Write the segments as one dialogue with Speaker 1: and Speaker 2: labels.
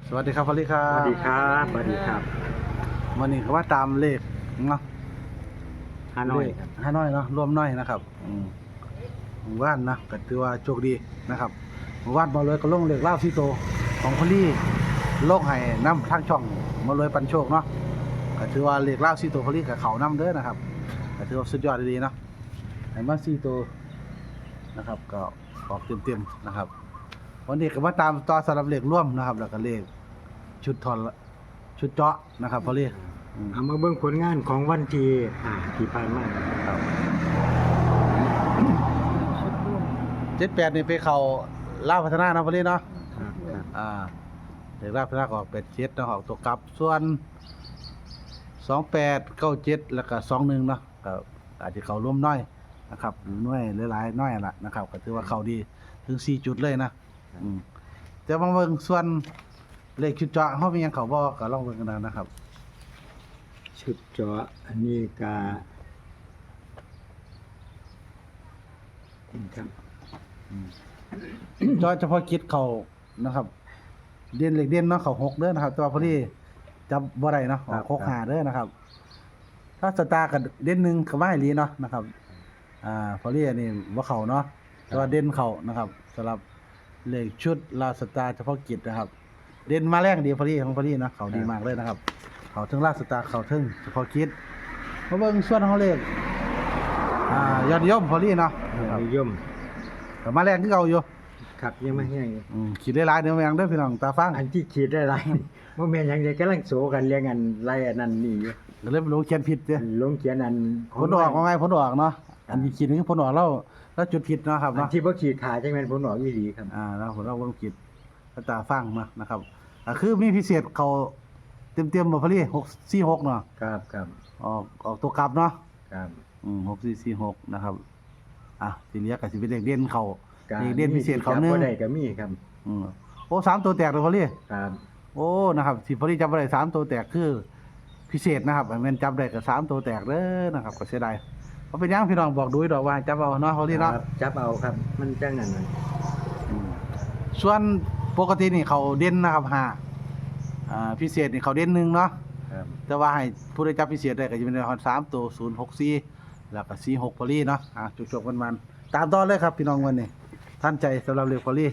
Speaker 1: สวัสดีครับพอลลี่ครั
Speaker 2: สวัส
Speaker 1: บ
Speaker 2: ดีครับสวัสดีครับ
Speaker 1: วันนี้ก็ว่าตามเลขเนาะ
Speaker 2: ฮานอยครับ
Speaker 1: ฮานอยเนาะรวมน้อยนะครับหมู่บ้านนะก็ถือว่าโชคดีนะครับหมู่บ้านมาเลยก็ลงเลขเล่าที่โตของพอลลี่โลกให้นำทางช่องมาเลยปันโชคเนาะก็ถือว่าเลขเล่าที่โตพอลลี่กับเขานำเด้อนะครับก็ถือว่าสุดยอดดีๆเนาะให้มาที่โตนะครับก็ออกเต็มๆนะครับวันนี้ก็มาตามต่อสำหรับเลขร่วมนะครับแล้วก็เลขชุดทอนชุดเจาะนะครับพอลลี่
Speaker 2: เอามาเบิ่งผลงานของวันที่ที่ผ่านมา
Speaker 1: ครับ78นี่ไปเขาลาวพัฒนาเนาะพอลลี่เนาะ
Speaker 2: ครับครับ
Speaker 1: เด็กลาวพัฒนาก็ออก87เนาะออกตัวกลับส่วน28 97แล้วก็21เนาะก็อาจจะเข้าร่วมน้อยนะครับหน่วยหลายๆน้อยล่ะนะครับก็ถือว่าเข้าดีถึง4จุดเลยนะแต่บางเบิ่งส่วนเลขชุดเจาะเฮามีหยังเข้าบ่ก็ลองเบิ่งกันนะครับ
Speaker 2: ชุดเจาะอันนี้ก็ครับ
Speaker 1: จอยเฉพาะกิจเขานะครับ เด่นเหล็กเด่นเนาะเขา6เด้อนะครับ ตัวพอดีจับบ่ได้เนาะออก6 5เด้อนะครับ ถ้าสตาร์กับเด่น1ก็ว่าให้ลีเนาะนะครับพอดีอันนี้บ่เข้าเนาะตัวเด่นเข้านะครับสำหรับเลขชุดลาสตาร์เฉพาะกิจนะครับ เด่นมาแรงดีพอดีของพอดีเนาะเขาดีมากเลยนะครับเขาถึงลาสตาร์เขาถึงเฉพาะกิจมาเบิ่งส่วนของเลขยอดนิยมพอดีเนาะนะครับ
Speaker 2: นิยม
Speaker 1: ก็มาแรงคือเก่าอยู่
Speaker 2: ครับยังไม่แห้งอยู่
Speaker 1: ขีดได้หลายเด้อแมงเด้อพี่น้องตาฟัง
Speaker 2: อันที่ขีดได้ไรบ่แม่นหยังเดียวกำลังโสกันเรียงอันไรอันนั้นนี่อยู่
Speaker 1: ก็เลยบ่รู้เขียนผิดเด้อ
Speaker 2: ลงเขียนอัน
Speaker 1: ผลออกว่าไงผลออกเนาะอันที่ขีดนี่คือผลออกแล้วจุดผิดเนาะครับ
Speaker 2: อัน
Speaker 1: เนาะ
Speaker 2: ที่บ่ขีดขาจังแม่นผลออกอีหลีครับ
Speaker 1: แล้วผลออกเบิ่งผิดตาฟังมานะครับคือมีพิเศษเขาเต็มๆบ่พอดี646เนาะ
Speaker 2: ครับครับ
Speaker 1: ออกตัวกลับเนาะ
Speaker 2: ครับ
Speaker 1: 6446นะครับทีเหลือก็สิเป็นเลขเด่นเขา
Speaker 2: ก็
Speaker 1: เลขเด่นพิเศษเขาหนึง
Speaker 2: บ่ได้ก็มีครับ
Speaker 1: โอ้3ตัวแตกเลยพอดี
Speaker 2: ครับ
Speaker 1: โอ้นะครับที่พอดีจับบ่ได้3ตัวแตกคือพิเศษนะครับแม่นจับได้ก็3ตัวแตกเด้อนะครับก็เสียดายเพราะเป็นหยังพี่น้องบอกดูดอกว่าจับเอาเนาะพอดีเนาะ
Speaker 2: ครับจับเอาครับ มันจังนั้นน่ะ
Speaker 1: ส่วนปกตินี่เขาเด่นนะครับพิเศษนี่เขาเด่น1เนาะ
Speaker 2: ครับ
Speaker 1: แต่ว่าให้ผู้ได้จับพิเศษได้ก็จะเป็นฮอด3ตัว064แล้วก็46พอลีเนาะจบๆกันๆตามต่อเลยครับพี่น้องวันนี้ท่านใจสำหรับเรื่องพอลี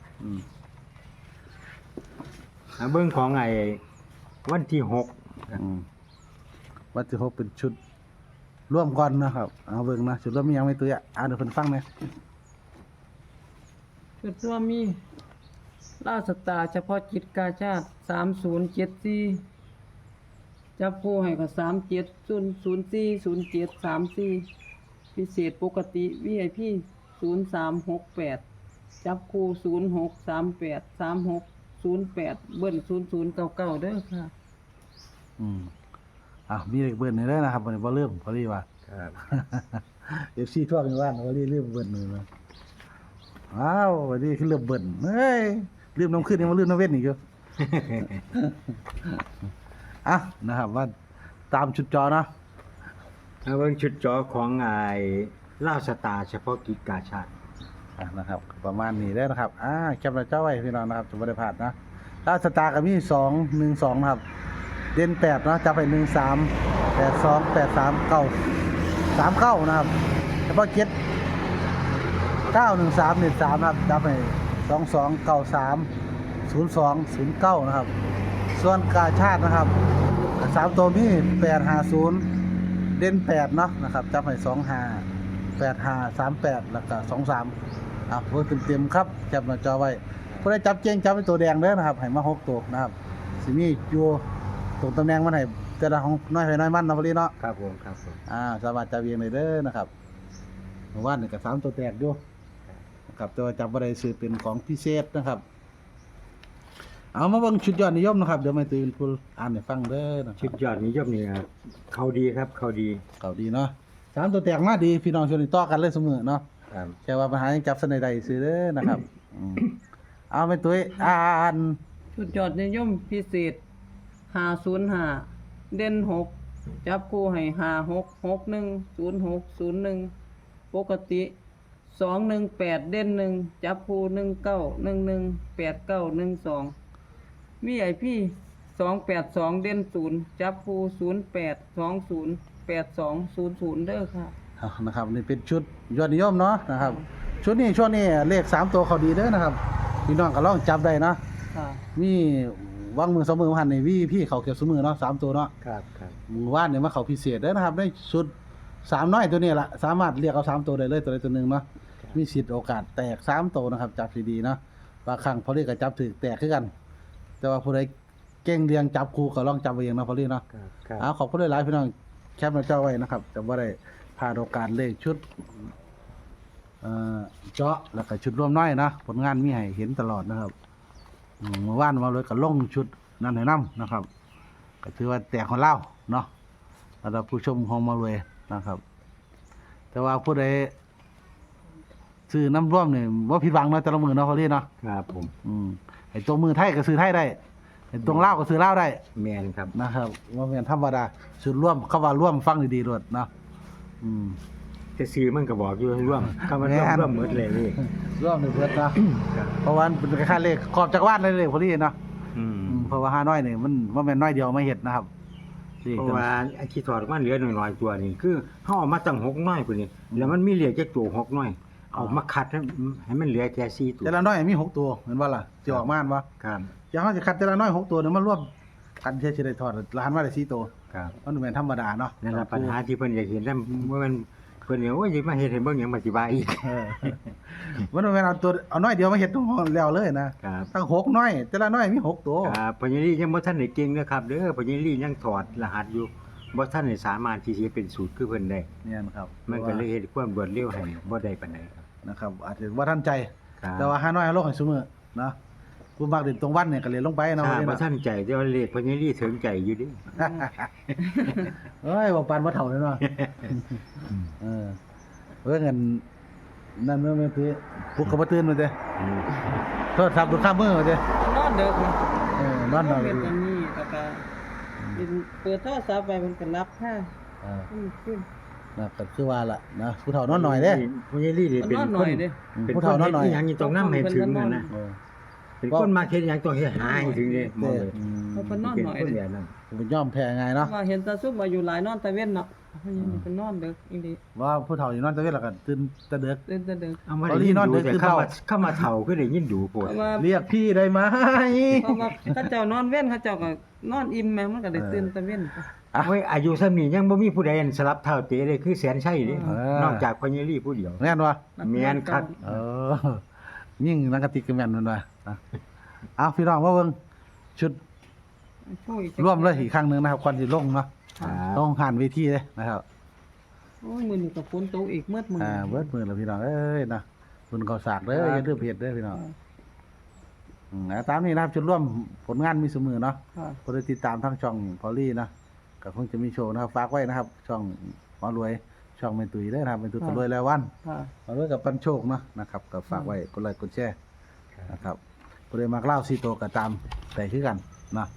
Speaker 2: เบิ่งของไอ้วันที่6ครับ
Speaker 1: วันที่6เป็นชุดร่วมก่อนนะครับเอาเบิ่งนะชุดร่วมมีหยังไม่ตัวเดี๋ยวเพิ่นฟังนะ
Speaker 3: จุดร่วมมีล่าสตาร์เฉพาะกิจกาชาติ3074จับคู่ให้กับ37040734พิเศษปกติ VIP 0368จับคู่06383608เบิ้ล0099เด้อค่ะ
Speaker 1: มีเลขเบิ่นให้เด้อนะครับวันนี้บ่ลืมพอลีว่า
Speaker 2: ครับ
Speaker 1: FC ทั่วกันว่าพอลีลืมเบิ่นเลยนะว้าววันนี้คือลืมเบิ่นเฮ้ยลืมน้ำขึ้นยังมาลืมน้ำเว้นอีกอยู่ นะครับว่าตามชุดจอเนาะ
Speaker 2: เบิ่งชุดจอของไอ้ลาวสตาร์เฉพาะกิจกาชาติ
Speaker 1: นะครับประมาณนี้ได้นะครับแคปหน้าจอไว้พี่น้องนะครับจะบ่ได้พลาดนะถ้าสตาร์ก็มี212นะครับเด่น8เนาะจับไป13 82 83 9 39นะครับเฉพาะเจ็ด913 13นะครับจับไป22 93 02 09นะครับส่วนกาชาตินะครับ3ตัวมี850เด่น8เนาะนะครับจับไป25 85 38แล้วก็23เพิ่มเต็มๆครับจับหน้าจอไว้ผู้ใดจับเก่งจับเป็นตัวแดงเด้อนะครับให้มา6ตัวนะครับสิมีอยู่ตรงตำแหน่งมันให้แต่ละของน้อยให้น้อยมันเนาะพอดีเนาะ
Speaker 2: ครับผมครับผม
Speaker 1: สามารถจับเองได้เด้อนะครับเมื่อวานนี่ก็3ตัวแตกอยู่นะครับแต่ว่าจับบ่ได้ซื้อเป็นของพิเศษนะครับเอามาเบิ่งชุดยอดนิยมนะครับเดี๋ยวมาตื่นผู้อ่านให้ฟังเด้อนะค
Speaker 2: ชุ
Speaker 1: รับ
Speaker 2: ดยอดนิยมนี่ครับเขาดีครับเขาดี
Speaker 1: เขาดีเนาะ3ตัวแตกมาดีพี่น้องชวนต่อกันเลยเสมอเนาะ
Speaker 2: ครับ
Speaker 1: แค่ว่าปัญหายังจับสนใดซื้อเด้อนะครับเอาไปตุ้ยอ่าน
Speaker 3: ชุดยอดนิยมพิเศษ505เด่น6จับคู่ให้56610601ปกติ218เด่น1จับคู่19118912 มีไอพี่282เด่น0จับคู่08208200เด้อค่ะ
Speaker 1: เอานะครับนี่เป็นชุดยอดนิยมเนาะนะครับ ชุดนี้ช่วงนี้เลข3ตัวเขาดีเด้อนะครับพี่น้องก็ลองจับได้เนาะ
Speaker 3: ค่ะ
Speaker 1: มีวางมือ2มือหันในพี่เขาเก็บซุมือเนาะ3ตัวเนาะ
Speaker 2: ครับครับ
Speaker 1: มือว่านเนี่ยมาเขาพิเศษเด้อนะครับในชุด3น้อยตัวนี้ล่ะสามารถเรียกเอา3ตัวได้เลยตัวใดตัวหนึงเนาะมีสิทธิ์โอกาสแตก3ตัวนะครับจับดีๆเนาะบางครั้งพอเรียกก็จับถึกแตกคือกัน แต่ว่าผู้ใดเก่งเรียงจับคู่ก็ลองจับเอาเองเนาะพอเรียกเนาะ
Speaker 2: ครับครับ
Speaker 1: ขอบคุณหลายๆพี่น้องแคปหน้าจอไว้นะครับแต่ว่าได้พลาดโอกาสเลขชุดเจาะแล้วก็ชุดร่วมน้อยนะผลงานมีให้เห็นตลอดนะครับเมื่อวานมาเลยก็ลงชุดนั่นให้นํนะครับ ก็ถือว่าแตกของเล่าเนาะแล้วเราผู้ชมของมาเลยนะครับ แต่ว่าผู้ใดซื้อน้ำร่วมเนี่ยว่าผิดหวังเนาะแต่ละมือเนาะพอเรียกเนาะ
Speaker 2: ครับผม
Speaker 1: ไอ้ตัวมือไทยก็ซื้อไทยได้ไอ้ตรงเล่าวก็ซื้อเล่าวได้
Speaker 2: แมนครับ
Speaker 1: นะครับว่าเป็นธรรมดาสุดร่วมเข้าว่าร่วมฟังดีๆด้วยเนาะอืม
Speaker 2: จะซื้อมันก็บอกอยู่ให้ร่วมคำว่าร่วม
Speaker 1: แม่น
Speaker 2: ร่วมหมดเลยนี่
Speaker 1: ร่วมในเพื่อนเนาะ
Speaker 2: ครับ
Speaker 1: เพราะว่ามันเป็นค่าเลขขอบจักรวาลเลยเลยพอดีเนาะ
Speaker 2: อืม
Speaker 1: เพราะว่าห้าน้อยนี่มันว่าแม่นน้อยเดียวไม่เห็ดนะครับนี่
Speaker 2: เพราะว่าไอ้ที่ถอดออกมาเหลือหน่อยๆตัวนี่คือเฮาเอามาตั้ง6น้อยพุ่นนี่แล้วมันมีเหลือแค่ตัว6น้อยเอามาคัดให้มันเหลือแค่4ตัว
Speaker 1: แต่ละน้อยมี6ตัวเห็นว่าล่ะสิออกมาอันวะ
Speaker 2: ครับ
Speaker 1: อย่างเขาจะคัดแต่ละน้อย6ตัวเนี่ยมันรวมกันเชื่อได้ถอดล้านว่าได้4ตัว
Speaker 2: ครับ
Speaker 1: มันเป็นธรรมดาเนาะ
Speaker 2: นั่นล่ะปัญหาที่เพิ่นอยากเห็นนั่นว่ามันเพิ่นเนี่ยโอ้ยสิมาเฮ็ดให้เบิ่งหยังมาสิว่าอีก
Speaker 1: เออมันเป็นเอาตัวเอาน้อยเดียวมาเห็ดทั้งห้องแล้วเลยนะครับ ตั้ง6น้อย แต่ละน้อยมี6ตัว
Speaker 2: ครับพญาลียังบ่ทันได้เก่งนะครับเด้อพญาลียังถอดรหัสอยู่บ่ทันได้สามารถที่สิเป็นสูตรคือเพิ่นได้
Speaker 1: เนี่ยนะครับ
Speaker 2: มันก็เลยเฮ็ดความรวดเร็วให้บ่ได้ปานใดครับ
Speaker 1: นะครับ อาจจะว่าท่านใจ
Speaker 2: ครับ
Speaker 1: แต่ว่าห้าน้อยเอาลงให้ซุมื้อเนาะผู้มักเด่นตรงวันเนี่ยก็เลยลงไปเนาะ
Speaker 2: ถ้า
Speaker 1: วันนี้
Speaker 2: บ่
Speaker 1: เนาะ
Speaker 2: ทันใจแต่ว่าเลขพญาลีถึงใจอยู่เดิ
Speaker 1: เอ้ยบ่ปานบ่เฒ่าเลยเนาะเออเงินนั่นเมื่อแม่พี่ปลุกก็บ่ตื่นมาเด้โทษครับดูข้ามมือมาเด้
Speaker 3: นอนเด้อค่ะ
Speaker 1: นอนนอน
Speaker 3: เป็นอันนี้แล้วก็เป็นเปิดโทรศัพท์ไปมันก็รับค่ะ ขึ้น
Speaker 1: นะก็คือว่าล่ะนะผู้เฒ่านอนหน่อยเด้
Speaker 2: พญาลีนี่เป็น
Speaker 3: นอนห
Speaker 2: ค
Speaker 3: น่อน ยเด้
Speaker 2: เป็น
Speaker 1: ผู้
Speaker 2: ค
Speaker 1: เฒ่าน นอนหน่อย
Speaker 2: ที่หยังอยู่ตรงนั้นให้ถึงนั่นนะ
Speaker 1: เออ
Speaker 2: เป็นคนมาเฮ็ดหยังต้องเฮ็ดหาให้ถึงเด้หมดเลย
Speaker 3: เขาก็นอน
Speaker 2: เป็น
Speaker 3: หน่อย
Speaker 2: คน
Speaker 3: เด้
Speaker 2: แบบนั้น
Speaker 1: เป็นย่อมแพ้ไงเนาะ
Speaker 3: ว่าเห็นตาซุปมาอยู่หลายนอนตะเว้นเนาะเพราะยังเป็นนอนเด้ออีหลี
Speaker 1: ว่าผู้เฒ่าอยู่นอนตะเวนแล้วก็ตื่นแตะเด็ก
Speaker 3: เดินแต่เด้อ
Speaker 2: เอามา
Speaker 1: ตอน
Speaker 2: ได้
Speaker 1: นี้
Speaker 2: ยิน
Speaker 1: นอน
Speaker 2: ดู
Speaker 1: ดึก
Speaker 2: แต่
Speaker 1: คือ
Speaker 2: เข้า
Speaker 1: เฒ่า
Speaker 2: มาเข้ามาเฒ่าคือได้ยินดูโพด
Speaker 3: เพราะว่า
Speaker 1: เรียกพี่ได้ไหม
Speaker 3: เพราะว่าเขาเจ้านอนเว้นเขาเจ้าก็นอนอิ่มแม่มันก็ได้ตื่นตะเว้น
Speaker 2: เฮ้ยอายุส่ำนี้ยังบ่มีผู้ใดอันสลับเท่าเตะเลยคือแสนชัยเด้
Speaker 1: เออ
Speaker 2: นอกจากพญาลีผู้เดียว
Speaker 1: แม่นวะ
Speaker 2: แม่นคัก
Speaker 1: เออยิ่งนังกะติกกระแม่นมันวะเอาพี่น้องว่าเบิ่งชุด
Speaker 3: ช่วย
Speaker 1: ร่วมเลยอีกครั้งหนึงนะครับควันสิลงเนาะ
Speaker 2: ครับ
Speaker 1: ต้องผ่านเวทีเลยนะครับ
Speaker 3: โอ้ยมื้อนี้ก็ฝนตกอีกเมื่อมื้อ
Speaker 1: เบิดมือแล้วพี่น้องเอ้ยนะคุณเขาสากเด้ออย่าลืมเพจเด้อพี่น้องตามนี้นะครับจุดร่วมผลงานมีเสมอเนาะ
Speaker 3: ค่ะ
Speaker 1: คนได้ติดตามทั้งช่องพอลลี่นะก็คงจะมีโชว์นะครับฝากไว้นะครับ ช่องหมอรวยช่องเมตุยเด้อนะครับเมตุยตะรวยแล้ววัน
Speaker 3: ค่ะ
Speaker 1: หมอรวยกับปันโชคเนาะนะครับก็ฝากไว้กดไลค์กดแชร์นะครับผู้ใดมักเล่าซีโตก็ตามแต่คือกันนะ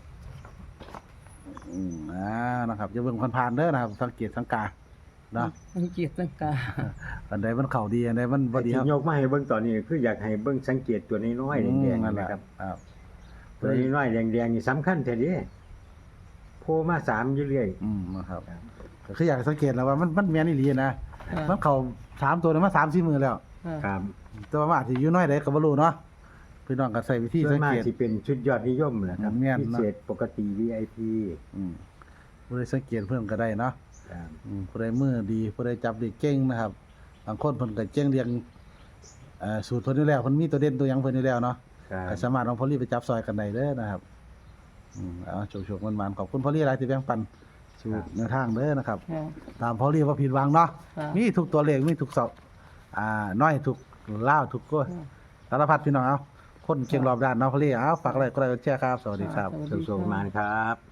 Speaker 1: นะครับอย่าเบิ่งผ่านๆเด้อนะครับสังเกตสังกานะ
Speaker 3: สังเกตสังกา
Speaker 1: อันใดมันเข้าดีอันใดมันบ่ดี
Speaker 2: ที่
Speaker 1: ครับ
Speaker 2: ยกมาให้เบิ่งตอนนี้คืออยากให้เบิ่งสังเกตตัวน้อยๆแดง
Speaker 1: นั่น
Speaker 2: ๆ
Speaker 1: แหละ
Speaker 2: นะครับ
Speaker 1: ครับ
Speaker 2: ตัวน้อยๆแดงๆนี่สำคัญแท้เด้โผล่มา3อยู่เรื่อย
Speaker 1: นะครับก็คืออยากให้สังเกตแล้วว่ามันแม่นอีหลีนะ
Speaker 3: ค่ะ
Speaker 1: มันเข้า3ตัวเนี่ยมา3-4มื้อแล้ว
Speaker 3: ค่ะ
Speaker 2: ครับ
Speaker 1: แต่ว่ามันอาจสิอยู่น้อยใดก็บ่รู้เนาะพี่น้องก็ใช้วิธี
Speaker 2: ส่ว
Speaker 1: สั
Speaker 2: น
Speaker 1: ง
Speaker 2: มาก
Speaker 1: เกต
Speaker 2: สิเป็นชุดยอดนิยมแหละครับ
Speaker 1: แม่น
Speaker 2: พิ
Speaker 1: เนาะ
Speaker 2: เศษปกติ VIP
Speaker 1: ผู้ใดสังเกตเพิ่นก็ได้เนาะ
Speaker 2: ครับ
Speaker 1: ผู้ใดมือดีผู้ใดจับได้เก่งนะครับบางคนเพิ่นก็เก่งเรียงสูตรเพิ่นอยู่แล้วเพิ่นมีตัวเด่นตัวหยังเพิ่นอยู่แล้วเนาะ
Speaker 2: ครับ
Speaker 1: ก็สามารถเอาพอลี่ไปจับซอยกันได้เด้อนะครับเอาโชคๆมันๆขอบคุณพอลี่หลายที่แบ่งปันสู่แนวทางเด้อนะครับ
Speaker 3: ค่ะ
Speaker 1: ตามพอลี่ว่าผิดหวังเนาะ
Speaker 3: ค่ะ
Speaker 1: มีทุกตัวเลขมีทุกเสาน้อยทุกล่าวทุกก็สารพัดพี่น้องเอาคนเก่งรอบด้านเนาะพอลี่เอาฝากอะไรก็ได้แชร์ครับสวัสดีครับ
Speaker 3: สวัสดี
Speaker 2: สุขๆมานครับ